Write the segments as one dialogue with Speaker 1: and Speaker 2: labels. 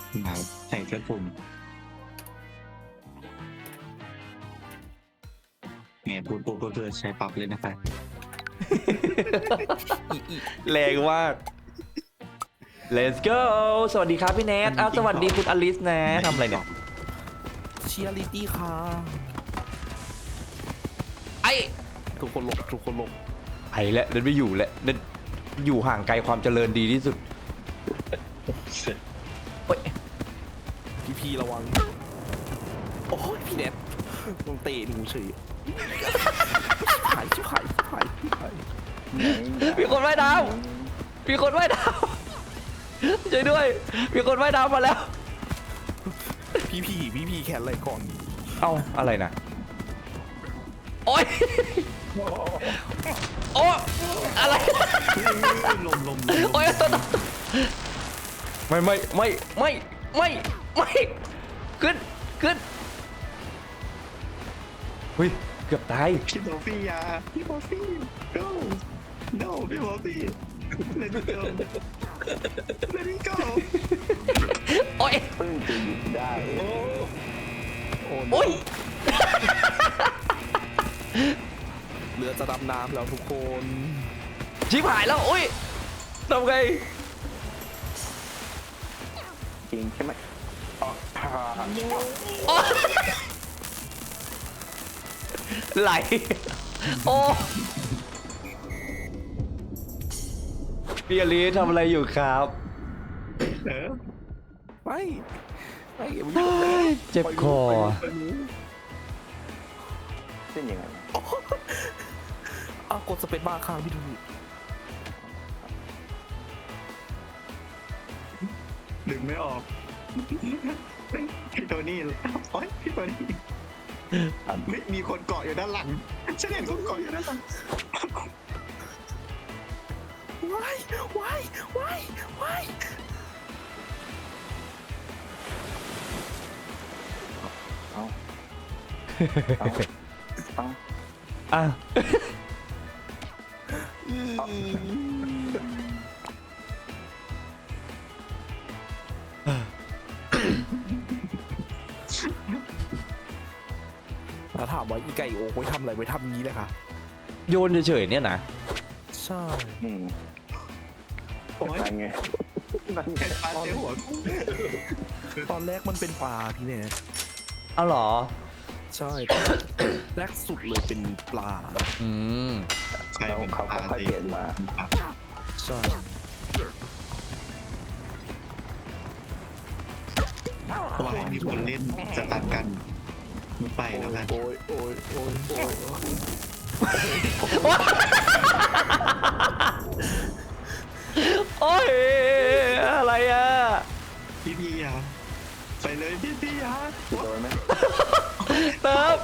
Speaker 1: มาใส่เสื้อคลุมเนี่ยพูดปุ๊บก็คือใช้ปั๊บเลยนะครับ
Speaker 2: แรงมาก Let's go สวัสดีครับพี่แนทอ้าวสวัสดีคุณอลิสนะทำอะไรเนี่ย
Speaker 3: เชียร์ลิตี้ค่ะ
Speaker 2: ไอ้
Speaker 3: ทุกคนหลบทุกคนหลบ
Speaker 2: ไอ้แล้วเดินไม่อยู่แล้วเดินอยู่ห่างไกลความเจริญดีที่สุดเฮ้ย
Speaker 3: พี่ระวังโอ้ยพี่เน็ตต้องเตะหนูเฉยหายชิบหายชิบหายชิบหาย
Speaker 2: มีคนว่ายน้ำมีคนว่ายน้ำช่วยด้วยมีคนว่ายน้ำมาแล้ว
Speaker 3: พี่แขนอะไรก่อน
Speaker 2: เอ้าอะไรนะโอ๊ยโอ้อะไร
Speaker 1: ลม
Speaker 2: โอ๊ยตัวไม่ขึ้นเฮ้ยเกือบตาย
Speaker 1: พี่บอฟฟี่ยาพี่บอฟฟี่ go no พี่บอฟฟี่ let it go let it go
Speaker 2: โอ๊ย
Speaker 1: เพิ่งจะหยุดได้โอ้
Speaker 2: โอ๊ย
Speaker 3: เรือจะดำน้ำแล้วทุกคน
Speaker 2: ชิบหายแล้วโอ๊ยทำไง
Speaker 1: จริงใช่ไหม
Speaker 2: โอ๊ยไหลโอ้พี่อลีทำอะไรอยู่ครับ
Speaker 3: ไม่อย่ามา
Speaker 2: เฮ้ยเจ็บคอ
Speaker 1: เป็นยังไง
Speaker 3: อ้าวกดสเปซบาร์ค้างพี่ดู
Speaker 1: ดึงไม่ออกพี่โทนี่โอ๊ยพี่โทนี่ไม่มีคนเกาะอยู่ด้านหลังฉันเห็นคนเกาะอยู่ด้านหลัง
Speaker 3: ว้าย
Speaker 2: อ่ะ
Speaker 3: แล้วถามว่าอีไก่โอ้ไว้ทำอะไรไว้ทำงี้เลยค่ะ
Speaker 2: โยนเฉยๆเนี่ยนะ
Speaker 3: ใช่
Speaker 1: โอ๊ยนั่นไงปลาเสียหัว
Speaker 3: ตอนแรกมันเป็นปลาพี่เน็ต
Speaker 2: เอาเหรอ
Speaker 3: ใช่ แรกสุดเลยเป็นปลา
Speaker 2: อืม
Speaker 1: ใช่เป็นเขาค่อยเปลี่ยนมา
Speaker 3: ใช่
Speaker 1: วายมีคนเล่นจะตัดกันไม่ไปแล้วกัน
Speaker 3: โอ้ย
Speaker 2: โอ้ยอะไรอ่ะ
Speaker 1: พี่ยาไปเลยพี่ยาโดนไหม
Speaker 2: เติม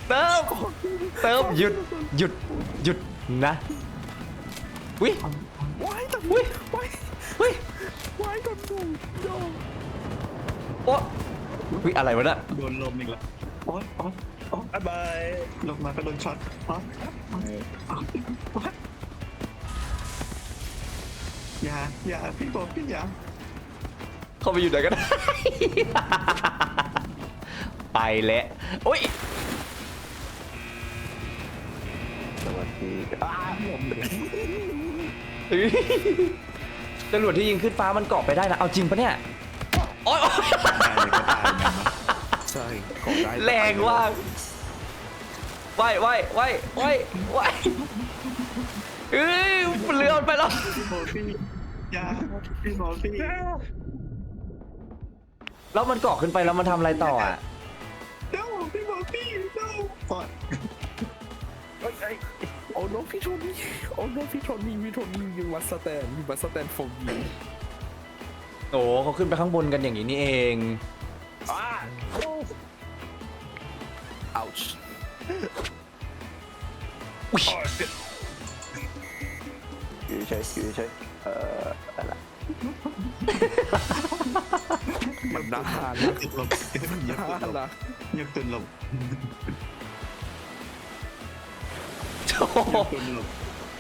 Speaker 2: หยุดนะวิ
Speaker 3: ว้ายตอน
Speaker 2: วิ
Speaker 3: ว้าย
Speaker 2: วิ
Speaker 3: ว้ายตอนดูโย
Speaker 2: โอ้วิอะไรวะเนี่ย
Speaker 1: โดนลมอีกแล้วโอ๊ยบายลงมาก็โดนช็อตอย่าพี่บอกพี่อย่า
Speaker 2: เข้าไปอยู่ไหนกันไปแล้วโอ้ย
Speaker 1: สวัสดีลมเลย
Speaker 2: จรวดที่ยิงขึ้นฟ้ามันเกาะไปได้นะเอาจริงปะเนี่ยโอ๊ย
Speaker 1: ตายเลยก็ตายเหมือนกัน
Speaker 3: ใช่ของได้
Speaker 2: แรงว่ากว่ายเอ้ยเรือมันไปแล้ว
Speaker 1: พี่บอกพี่อย่าพี่บอกพี่
Speaker 2: แล้วมันเกาะขึ้นไปแล้วมันทำอะไรต่ออ่ะ
Speaker 1: เดี๋ยวพี่บอกพี่เดี๋ยวปอด
Speaker 3: โอ้โนพี่โทนี่you must stand for me
Speaker 2: โอ้เขาขึ้นไปข้างบนกันอย่างนี้นี่เอง
Speaker 3: ouch
Speaker 2: อุ๊ย
Speaker 1: อยู่เฉยอะไร
Speaker 3: มันน่าทาน
Speaker 1: ติดลม
Speaker 3: น่าทานนะ
Speaker 1: ยกตุนลม
Speaker 2: โอ้โห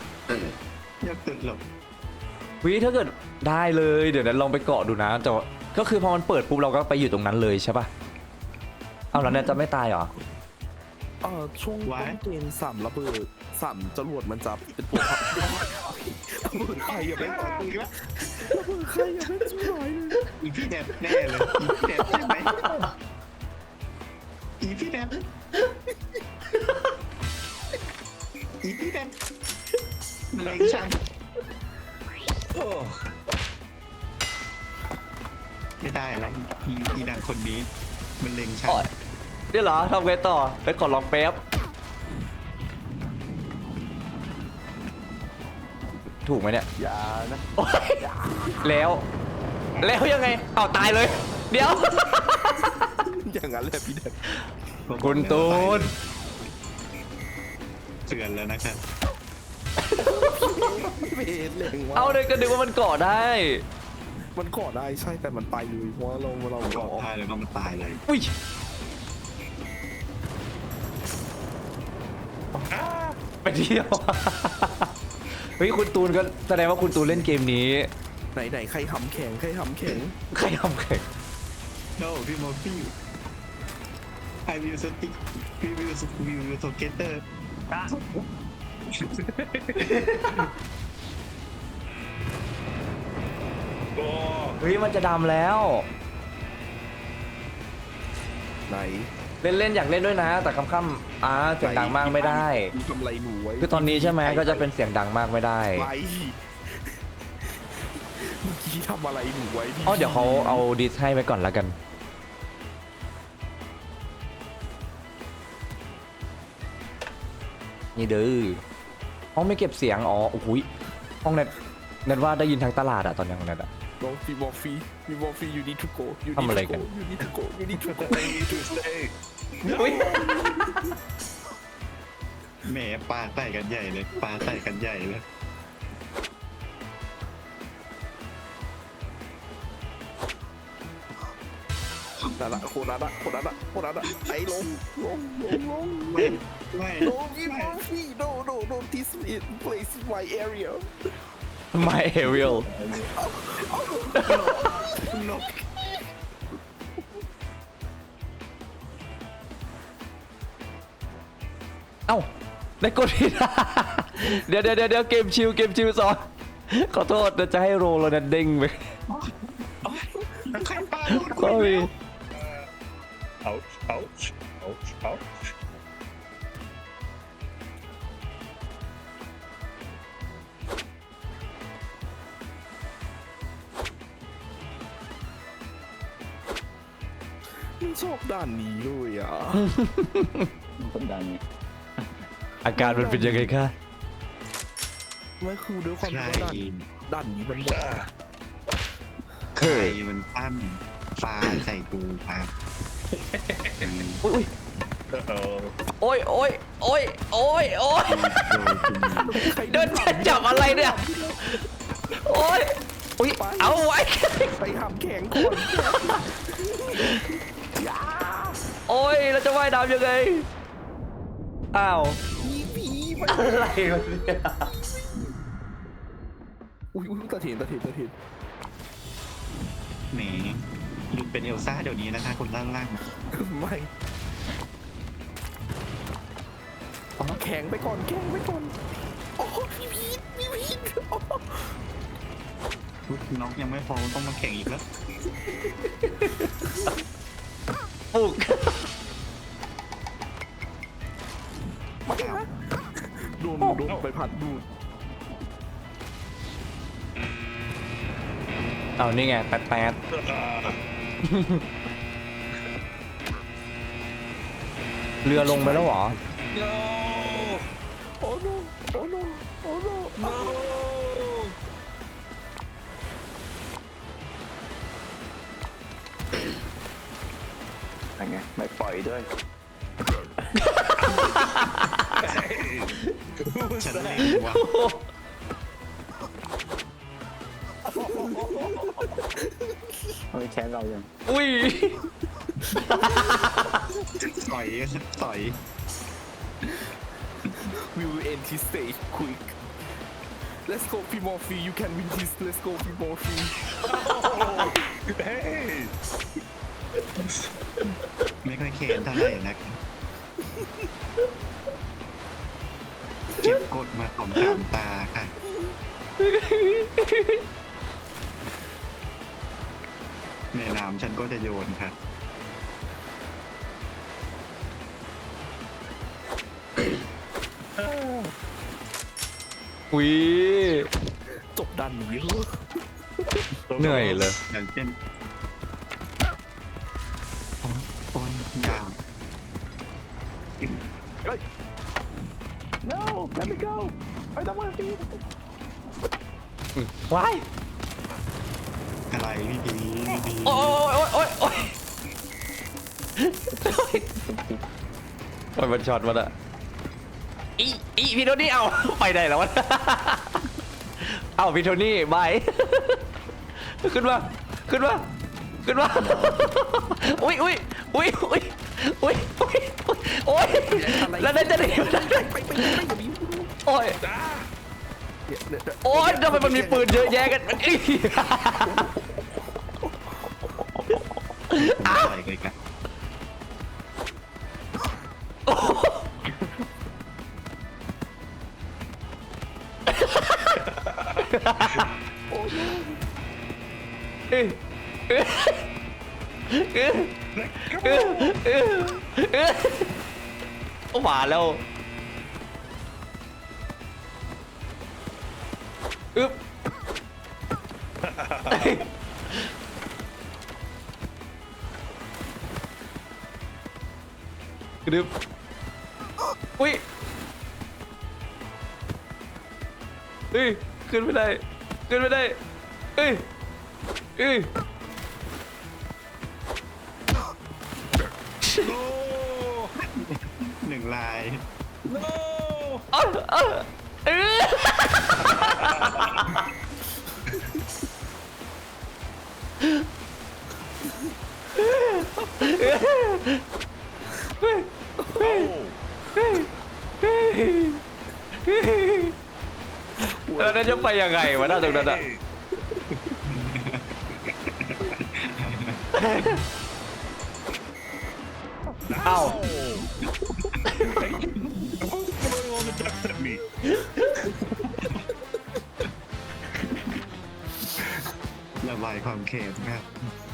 Speaker 1: ยกตุนลม
Speaker 2: วิถ้าเกิดได้เลยเดี๋ยวนั้นลองไปเกาะดูนะแต่ก็คือพอมันเปิดปุ๊บเราก็ไปอยู่ตรงนั้นเลยใช่ปะเอาแล้วเนี่ยจะไม่ตายเหรอ
Speaker 3: ช่วงต้นเกมระเบิดจรวดมันจะเป็นตัวพับระเบิดใครอย่าไปต่อตีละระเบิดใครอย่าไปช่วยเลย
Speaker 1: อีพี่แดบแน่เลยอีพี่แดบใช่ไหมอีพี่แดบอีพี่แดบมันเล็งฉันไม่ได้อะไรอีนางคนนี้มันเล็งฉัน
Speaker 2: อ๋อ เดี๋ยวเหรอทำไงต่อไปกดลองแป๊บถูกไหมเนี่ย
Speaker 3: อย่านะ
Speaker 2: โอ๊ยแล้วยังไงเอาตายเลย เดี๋ยว
Speaker 3: อย่างนั้นเลยพี่แดน
Speaker 2: คุณตูน
Speaker 1: เตือนแล้วนะครับ
Speaker 3: ไม่เห็นเลยว่า
Speaker 2: เอาเลยก็นึกว่ามันเกาะได้
Speaker 3: มันก่อได้ใช่แต่มันไปเลยเพราะว่าเรา
Speaker 1: ร
Speaker 3: ก่
Speaker 1: อ
Speaker 3: อ
Speaker 1: ดได้แล้วก็มันตายเลย
Speaker 2: อุ้ยไปเที่ยว เฮ้ยคุณตูนก็แสดงว่าคุณตูนเล่นเกมนี้
Speaker 3: ไหนใครทำแข็งใครทำแข็ง
Speaker 2: ใครทำแข่ง
Speaker 1: โน้พี่โมฟี่ I will stick we will together
Speaker 2: เฮ้ยมันจะดำแล้ว
Speaker 3: ไหน
Speaker 2: เล่นอยากเล่นด้วยนะ แต่ค่ำๆเสียงดังมากไม่ได้
Speaker 3: ทำอะไรหนูไว้
Speaker 2: คือตอนนี้ใช่ไหมก็จะเป็นเสียงดังมากไม่ได้
Speaker 3: ไปเมื่อกี้ทำอะไรหนูไว้พี่
Speaker 2: เดี๋ยวเขาเอาดิสให้ไว้ก่อนแล้วกัน นี่เด้อห้องไม่เก็บเสียงโอ้โหห้องเน็ตว่าได้ยินทั้งตลาดอะตอนนี้ของเน็ตอะ
Speaker 3: น้องพี่บอฟฟี่you need to go you
Speaker 2: ทำอะไร
Speaker 3: need to
Speaker 2: กัน
Speaker 3: go you need to go you need to go
Speaker 2: อุ้ย
Speaker 1: แหมปลาใส่กันใหญ่เลยปลาใส่กันใหญ่เลย
Speaker 3: นั่นละคนนั้นอะไอ้ลง
Speaker 1: ไม่ไม่
Speaker 3: no พี่บอฟฟี่ no this place is my area
Speaker 2: My Ariel
Speaker 1: นก
Speaker 2: เอ้าได้กดผิด เดี๋ยวเกมชิวสอนขอโทษจะให้โรลแล้วนะเด้งไป
Speaker 1: ใครปลาโดน
Speaker 2: ก็มี
Speaker 1: เอา
Speaker 3: มันชอบด้านนี้เลยอ่ะ
Speaker 4: คนดังไง
Speaker 2: อาการมันเป็นยังไงคะ
Speaker 3: ไม่คือด้วยความ
Speaker 1: ใคร
Speaker 3: ที่ว่าด้านนี้มันแบบ
Speaker 1: ใครมันปั้มปลาใส่กูครับ
Speaker 2: อุ้ยโอ้ยเดินจับอะไรเนี่ยโอ้ยอุ้ยเอาไว้
Speaker 3: ไปทำแข็งก่อน
Speaker 2: โอ้ยเราจะว่ายน้ำยังไงอ้าว
Speaker 3: ผีไป
Speaker 2: อะไรวะเนี่ย
Speaker 3: อุ้ยตะเถียน
Speaker 1: แหมหยุดเป็นเอลซ่าเดี๋ยวนี้นะคะคนล่าง
Speaker 3: ไม่แข็งไปก่อนโอ้พี่พีท
Speaker 1: น้องยังไม่พอต้องมาแข่งอีกแล้ว
Speaker 2: ปลุก
Speaker 3: โดนไปผัดดูด
Speaker 2: เอานี่ไงแป๊ดเรือลงไปแล้วเหรอ
Speaker 3: โอ้โน
Speaker 4: อะไรไงไม่ปล่อยด้วย
Speaker 1: ฉันเล่นว่ะ
Speaker 4: เฮ้ยแค้นเรายัง
Speaker 2: อุ้ย
Speaker 1: ต่อย
Speaker 3: we will end this stage quick let's go Pimorphy you can win this let's go Pimorphy เฮ้ย
Speaker 1: ไม่ค่อยเค้นเท่าไหร่นะครับเก็บกดมาของตามตาค่ะในน้ำฉันก็จะโยนค่ะ
Speaker 2: อุ้ย
Speaker 3: จบดันนี้เหรอ
Speaker 2: เหนื่อยเลย
Speaker 1: อย่างเช่นโอ้ยยาว
Speaker 4: no let me go I don't want to be
Speaker 2: ว้าย
Speaker 1: อะไรพี่ดีพี่ดี
Speaker 2: โอ้ยโอ้ยโอ้ยโอ้ยโอ้ยมันช็อตมันอะอีพี่โทนี่เอาไปไหนแล้ววะเอาพี่โทนี่บายขึ้นมาขึ้นมาขึ้นมาอุ้ยอุ้ยอุ้ยอุ้ยอุ้ยอุ้ยโอ้ยแล้วได้จะหนี
Speaker 3: ไปอย่ามี
Speaker 2: โอ้ยโอ้ยทำไมมันมีปืนเยอะแยะกันอี๋
Speaker 1: อะไรกันกัน
Speaker 2: เอ้ยเอ้ยเอ้ยเอ้ยเอ้ยเอ้ยโอ้มาแล้วอึ๊บกระดึบอุ้ยเอ้ยขึ้นไม่ได้ขึ้นไม่ได้เอ้ยเอ้ย
Speaker 1: หนึ่งลาย
Speaker 2: เอ้ยเอ้ยเอ้ยแล้วนั่นจะไปยังไงวะหน้าตรงนั้นอะเอ้า
Speaker 1: ระบายความเค็มครับ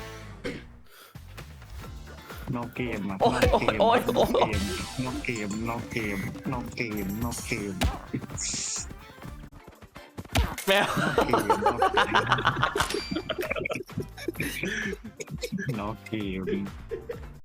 Speaker 1: นอกเกมอ่ะ
Speaker 2: โอ้ยโอ้ยโอ้ย
Speaker 1: นอกเกมนอกเกมนอกเกมนอกเกมนอกเกม
Speaker 2: แมว
Speaker 1: นอกเกม